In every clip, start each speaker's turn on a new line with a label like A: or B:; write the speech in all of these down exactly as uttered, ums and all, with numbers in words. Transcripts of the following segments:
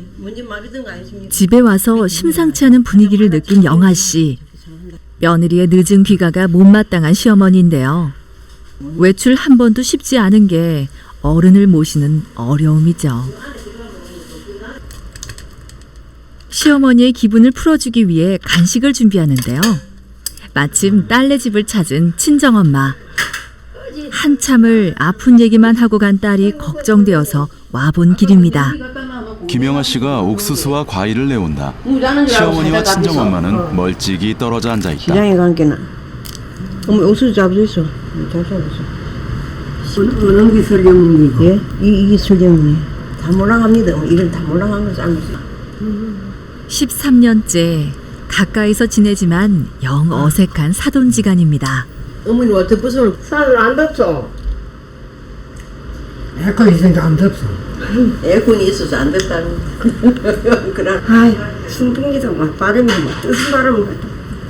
A: 집에 와서 심상치 않은 분위기를 느낀 영아 씨. 며느리의 늦은 귀가가 못마땅한 시어머니인데요. 외출 한 번도 쉽지 않은 게 어른을 모시는 어려움이죠. 시어머니의 기분을 풀어주기 위해 간식을 준비하는데요. 마침 딸네 집을 찾은 친정엄마. 한참을 아픈 얘기만 하고 간 딸이 걱정되어서 와본 길입니다.
B: 김영아 씨가 옥수수와 과일을 내온다. 시어머니와 친정엄마는 멀찍이 떨어져 앉아 있다.
C: 시장에 간 게나. 어머 옥수수 잡수 있어. 잘 잡았어.
D: 어느 게 설경문이고?
C: 예? 이, 이게 설경문이. 다 몰라갑니다. 이런 다 몰라간 거 삶았어.
A: 십삼 년째 가까이서 지내지만 영 어색한 사돈지간입니다.
C: 어머니 어떻게 벗으면 살을 안 덥죠?
D: 에어컨 있으니까 안 덥소.
C: 에어컨이 있어서 안 덥다는 그런 아이 신풍기도 막 바람이 막 뜨슨 바람이 막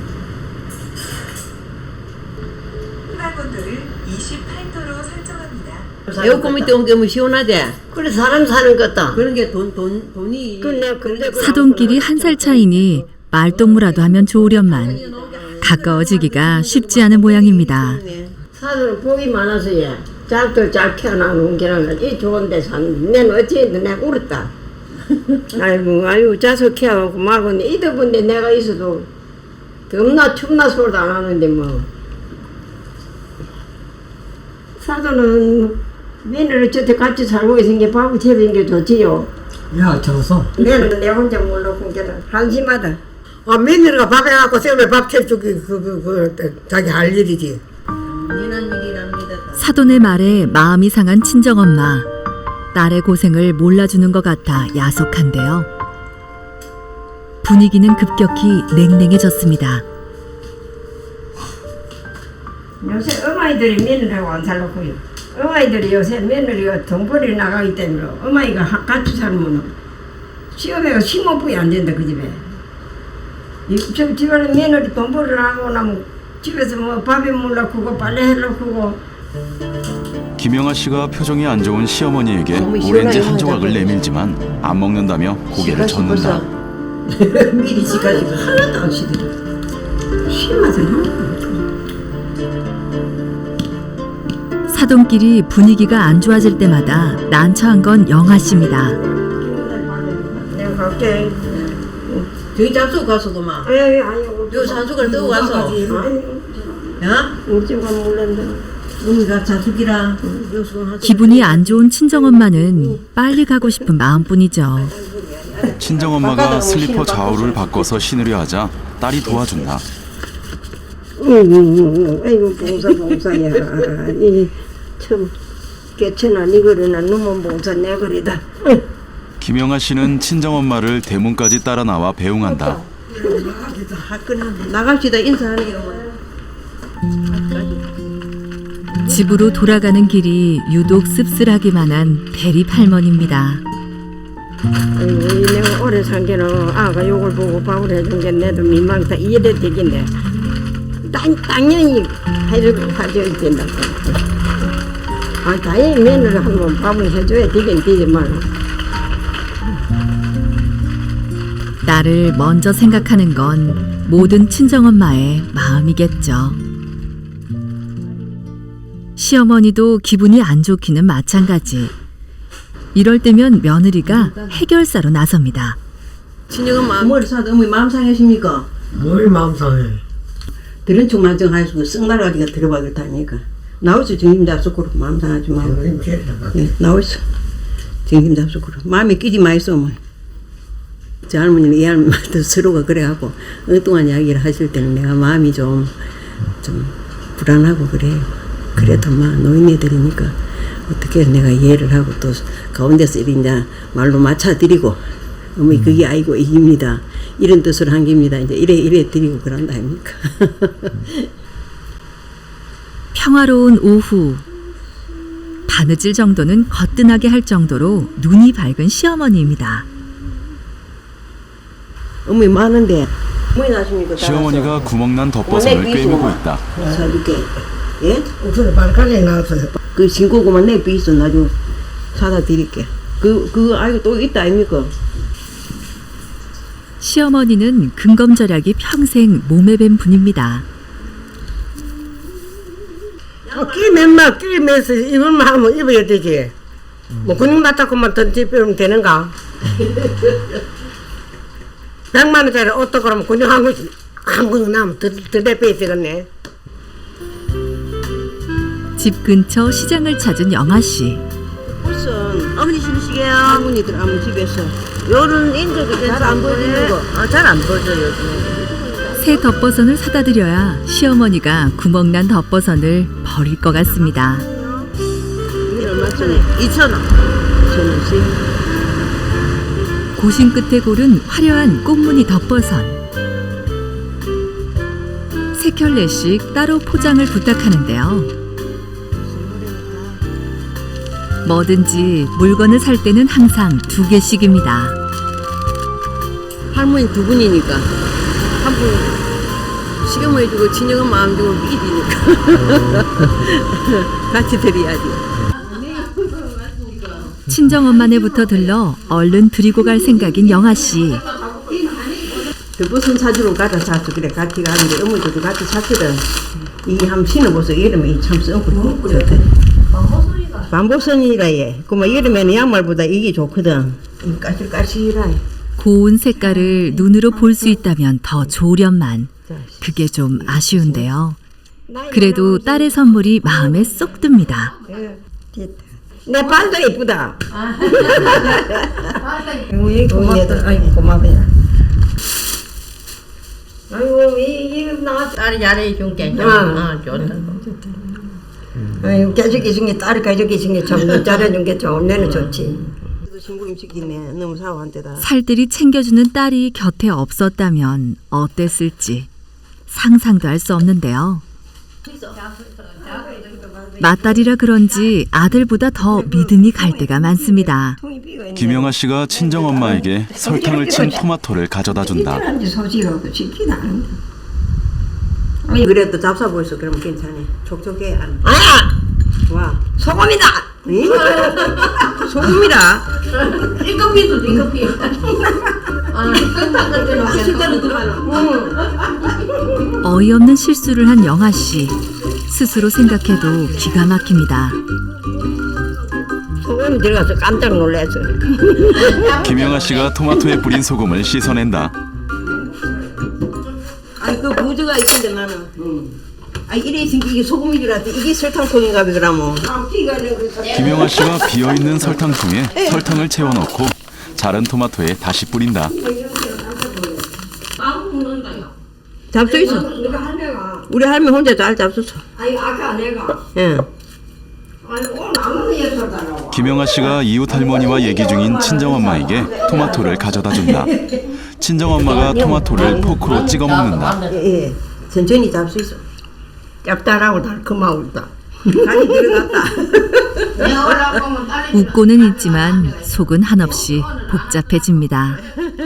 E: 온도를 이십팔 도로 설정합니다.
C: 에어컨 밑에 온 게 뭐 시원하대.
D: 그래 사람 사는 것다.
C: 그런 게 돈 돈 돈이
D: 근데 근데
A: 사돈끼리 한 살 차이니 말동무라도 하면 좋으련만 가까워지기가 쉽지 않은 모양입니다.
D: 사돈은 복이 많아서 얘. 짝들 잘 키워놔놓은 게는 이 좋은 데 사는 맨 어찌했든 내가 울었다. 아이고 아이고 자석 키워놓고 말고 이더분데 내가 있어도 덥나 춥나 소리도 안 하는데 뭐 사돈은 며느리 저때 같이 살고 있은 게 밥을 채우는 게 좋지요.
F: 야, 저서.
D: 내는 내 혼자 몰라본 게는 한심하다.
F: 아, 며느리가 밥 해갖고 쌤에 밥 채주기, 그, 그, 그, 자기 할 일이지.
A: 사돈의 말에 마음이 상한 친정엄마. 딸의 고생을 몰라주는 것 같아 야속한데요. 분위기는 급격히 냉랭해졌습니다.
D: 요새 어머니들이 며느리하고 안 살았고요. 어머니들이 요새 며느리가 돈벌이 나가기 때문에 어머니가 같이 살면 시어머니가 심호흡이 안 된다 그 집에. 이, 저 집안에 며느리 돈벌이를 하고 나면 집에서 뭐 밥에 물 넣고 빨래 해놓고
B: 김영아 씨가 표정이 안 좋은 시어머니에게 오렌지 한 조각을 내밀지만 안 먹는다며 고개를 젓는다.
C: 미리 지가지고 하나도 안 시들어.
D: 심하지 하나도
A: 사돈끼리 분위기가 안 좋아질 때마다 난처한 건 영아 씨입니다.
D: 내가 갈게.
C: 저기 잡수 가서도 막.
D: 아니 아니 아니.
C: 요 산수걸 뜨고 가서.
D: 아니
C: 야?
D: 우리 집가 몰랐는데.
C: 우리가 자숙이라.
A: 기분이 안 좋은 친정엄마는 빨리 가고 싶은 마음뿐이죠.
B: 친정엄마가 슬리퍼 좌우를 바꿔서 신으려 하자 딸이 도와준다.
D: 응, 아이고 봉사 봉사야. 이참 개천아 니거리나 누먼 봉사 내 거리다.
B: 김영아 씨는 친정엄마를 대문까지 따라 나와 배웅한다.
C: 나갑시다 인사하는 게
A: 집으로 돌아가는 길이 유독 씁쓸하기만 한 대립 할머니입니다.
D: 아이고 내가 오래 산 게는 아가 욕을 보고 밥을 해준 게 내도 민망다 이래 되긴데 당, 당연히 해주고 가져야 된다. 아 당연히 며느리 한번 밥을 해줘야 되긴 되지만
A: 나를 먼저 생각하는 건 모든 친정엄마의 마음이겠죠. 시어머니도 기분이 안 좋기는 마찬가지. 이럴 때면 며느리가 해결사로 나섭니다.
C: 친정은 마음 머리 사도 어머니 마음 상하십니까?
F: 뭘 마음 상해.
C: 들은 척만 정하시고 쓱 날아가니까 들어가겠다니까. 나오죠 정임 잡수고로 마음 상하지 말고. 네, 나오죠 정임 잡수고로 마음에 끼지 마이소 어머니. 저 할머니는 이 할머니도 서로가 그래갖고 엉뚱한 이야기를 하실 때는 내가 마음이 좀, 좀 불안하고 그래요. 그래도 막 노인네들이니까 어떻게 내가 이해를 하고 또 가운데서 이제 말로 맞춰드리고 어머니 그게 아이고 이깁니다. 이런 뜻으로 한 겁니다. 이제 이래 이래 드리고 그런다 아닙니까?
A: 평화로운 오후. 바느질 정도는 거뜬하게 할 정도로 눈이 밝은 시어머니입니다.
C: 어머니 많은데 어머니 나십니까?
B: 시어머니가 구멍난 덧버섯을 꿰매고 있다.
C: 사줄게. 예?
F: 옥수수 빨간에 나왔어요.
C: 그 신고구만 내 삐있어 나중에 사다 드릴게. 그, 그, 아이고 또 있다 아닙니까?
A: 시어머니는 근검절약이 평생 몸에 밴 분입니다.
F: 어, 끼 맨만 끼 매서 입을만 하면 입어야 되지. 뭐 근육 맞다고만 던지면 되는가? 백만 원짜리 옷도 그러면 근육 한 근육 한 근육 나면 더더 빼야 되겠네.
A: 집 근처 시장을 찾은 영아 씨.
C: 무슨 어머니 신으시게요? 할머니들 아무 집에서 요런 인적이 잘 안 보이는 거. 아, 잘 안 보여요 요즘.
A: 새 덮버선을 사다 드려야 시어머니가 구멍난 덮버선을 버릴 것 같습니다.
C: 이게 얼마짜리? 이천 원. 이천 원씩.
A: 고심 끝에 고른 화려한 꽃무늬 덮버선. 세 켤레씩 따로 포장을 부탁하는데요. 뭐든지 물건을 살 때는 항상 두 개씩입니다.
C: 할머니 두 분이니까 한 분 시어머니 주고 친정은 마음 주고 일이니까 같이 드려야지.
A: 친정엄마네부터 들러 얼른 드리고 갈 생각인 영아 씨.
C: 덮버선 사주러 가자 자주 그래 같이 가는데 어머니도 같이 샀거든. 이게 한번 신어보세요. 여름에 이참 썩고 좋대. 반보선이라 얘. 그만 여름에는 양말보다 이게 좋거든. 이 까실까실하.
A: 고운 색깔을 눈으로 볼 수 있다면 더 좋으련만 그게 좀 아쉬운데요. 그래도 딸의 선물이 마음에 쏙 듭니다.
C: 내 발도 예쁘다.
D: 아이고 고맙다. 아이고 고마워요. 아이고 이이나 딸이 잘해준 게 아, 좋다. 아이고 가족이 중에 딸이 가족이 중에 참 잘해준 게 좋은 내는 좋지.
C: 신부님 시키네. 너무 사오한테다.
A: 살들이 챙겨주는 딸이 곁에 없었다면 어땠을지 상상도 할 수 없는데요. 맏딸이라 그런지 아들보다 더 믿음이 갈 때가 많습니다.
B: 김영아 씨가 친정엄마에게 설탕을 친 토마토를 가져다 준다.
D: 한지 소식하고 시키도 않은데.
C: 아니 그래도 잡사 보이소. 그러면 괜찮아. 촉촉해. 안.
F: 아,
C: 와.
F: 소금이다.
C: 응? 소금이라.
D: 일급비도 일급비. 아,
C: 실제로 더 많아.
A: 어이없는 실수를 한 영아 씨. 스스로 생각해도 기가 막힙니다.
F: 소금이 들어가서 깜짝 놀랐어.
B: 김영아 씨가 토마토에 뿌린 소금을 씻어낸다.
C: 아니 그 부주가 있던데 나는. 응. 아 이래 생기 이게 소금인 줄 알았더니 이게 설탕통인가 보더라모.
B: 김영아 씨가 비어있는 설탕통에 설탕을 채워넣고 자른 토마토에 다시 뿌린다.
C: 잡수 있어.
D: 내가 할매가.
C: 우리 할머니 혼자 잘 잡수어.
D: 아니 아까 내가.
C: 예.
D: 아니 오늘 아무도 예술 달라고.
B: 김영아 씨가 이웃 할머니와 얘기 중인 친정엄마에게 토마토를 가져다 준다. 친정엄마가 토마토를 포크로 찍어 먹는다.
C: 예, 예. 천천히 잡수 있어.
F: 짭짤하고 달콤하고다.
C: 간이 들어갔다.
A: 웃고는 있지만 속은 한없이 복잡해집니다.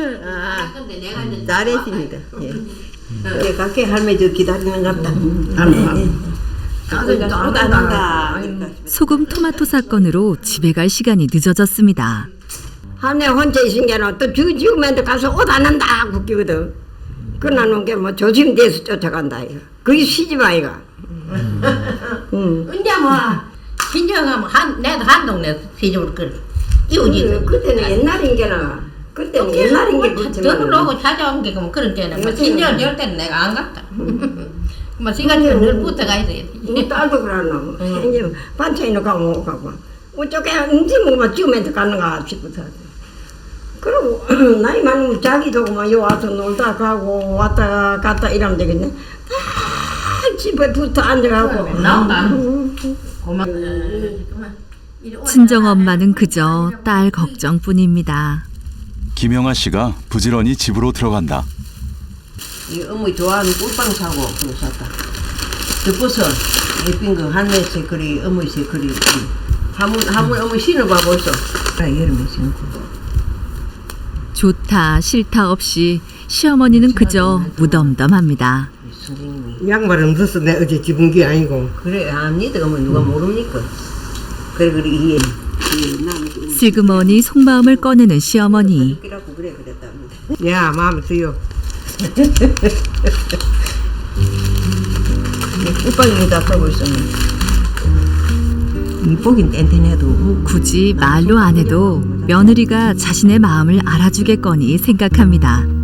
C: 잘했습니다. 예. 예, 각계 할머니 저 기다리는 것 같다.
F: 할머니.
C: 가슴이 또도 안 한다.
A: 소금 토마토 사건으로 집에 갈 시간이 늦어졌습니다.
F: 할머니 혼자 있은 게는 또 주, 죽으면 가서 옷 안 한다 웃기거든. 그러는 게 뭐 조심돼서 쫓아간다 이거. 그게 시집 아이가. 응.
G: 언제 뭐 친정하면 한 내도 한 동네 시집을 끌 이웃이
F: 그때는 옛날인 게나 그때는 옛날인 게 그렇지만
G: 돈을 오고 찾아온 게 그럼 그런 때는 뭐 친정 열 때는 내가 안 갔다. 뭐 시간처럼 늘 붙어가 있어야지.
F: 우리 딸도 그러노. 이제 반찬이나 가고 못 가고 어쩌게 언제 뭐만 지우면서 가는가 싶어서. 그리고 나이 많으면 자기도 그만 요 와서 놀다 가고 왔다 갔다 이러면 되겠네. 다 집에 붙어 앉아가고
G: 나온다. 고마.
A: 친정엄마는 그저 딸 걱정뿐입니다.
B: 김영아 씨가 부지런히 집으로 들어간다.
C: 이 어머니 좋아하는 꿀빵 사고 그거 샀다. 덮어서 예쁜 거 할매새 그리 어머니새 그리 한번 한번 어머니 신어봐 벌써. 아 여름에 신고.
A: 좋다 싫다 없이 시어머니는 그저 무덤덤합니다.
C: 선생님이
F: 양말은 넣었어. 내 어제 집은 게 아니고.
C: 그래 압니다. 어머니 누가 모릅니까? 그래 그래 이해.
A: 슬그머니 속마음을 꺼내는 시어머니.
C: 그래갖고 그래 그랬답니다. 야 마음에 들어. 꽃방울에다 써고 있었네. 이쁘긴 뗀뗀해도
A: 굳이 말로 안 해도 며느리가 자신의 마음을 알아주겠거니 생각합니다.